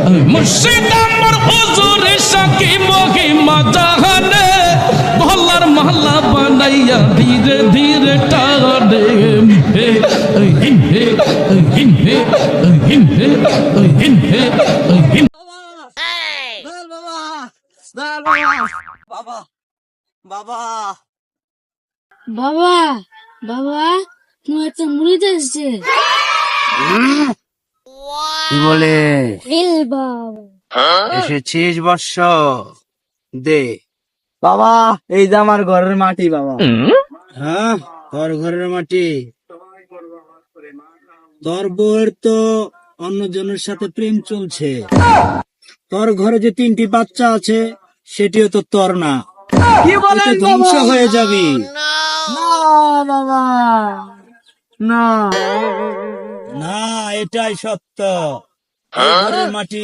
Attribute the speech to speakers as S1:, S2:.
S1: মুর্শিদ আমার হুজুর সাকি মহিমা জাহানে মহল্লার মহল্লা বানাইয়া ধীরে ধীরে টানে হে হিন হে হিন হে হিন হে হিন হে হিন
S2: বাবা বাবা
S3: বাবা বাবা তুমি একটা মুড়ি আসছে
S2: কি বলে
S3: বাবা
S2: এসেছিস বর্ষ দে বাবা এই যে আমার ঘরের মাটি বাবা হ্যাঁ তোর ঘরের মাটি তোর বউয়ের তো অন্যজনের সাথে প্রেম চলছে তোর ঘরে যে 3টি বাচ্চা আছে সেটিও তো তোর না কি বলেন ধ্বংস হয়ে যাবি না বাবা না না এটাই সত্য এই ঘরের মাটি